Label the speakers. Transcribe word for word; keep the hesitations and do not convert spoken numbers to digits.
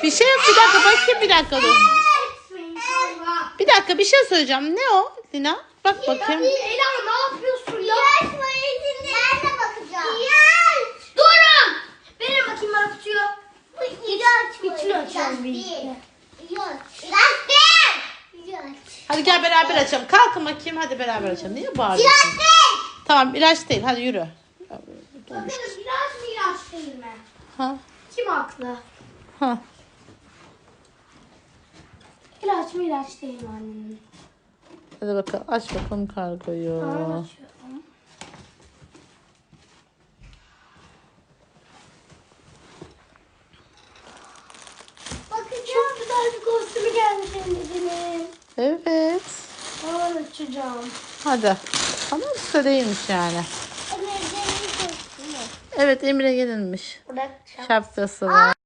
Speaker 1: Bir şey yok, bir dakika bakayım, bir dakika dur. Bir dakika, bir şey söyleyeceğim. Ne o Lina? Bak bakayım.
Speaker 2: Ela ne yapıyorsun ya? Ben de bakacağım. Durun. Verin bakayım bana kutuyu. İçini açalım birlikte.
Speaker 1: Hadi gel beraber açalım. Kalkın bakayım, hadi beraber açalım. Niye bağırıyorsun? Tamam, ilaç değil. Hadi yürü.
Speaker 2: Bakın ilaç mı ilaç değil mi?
Speaker 1: Ha.
Speaker 2: Kim haklı?
Speaker 1: Ha.
Speaker 2: İlaç mı ilaç değil mi annemin?
Speaker 1: Hadi bakalım, aç bakalım kargoyu.
Speaker 2: Tamam açıyorum. Bakın çok güzel bir kostümü gelmiş anneciğim.
Speaker 1: Evet.
Speaker 2: Tamam açacağım.
Speaker 1: Hadi. Ama usta değilmiş yani.
Speaker 2: Emir'in kostümü.
Speaker 1: Evet, Emre gelinmiş.
Speaker 2: Bırak.
Speaker 1: Şapkası var.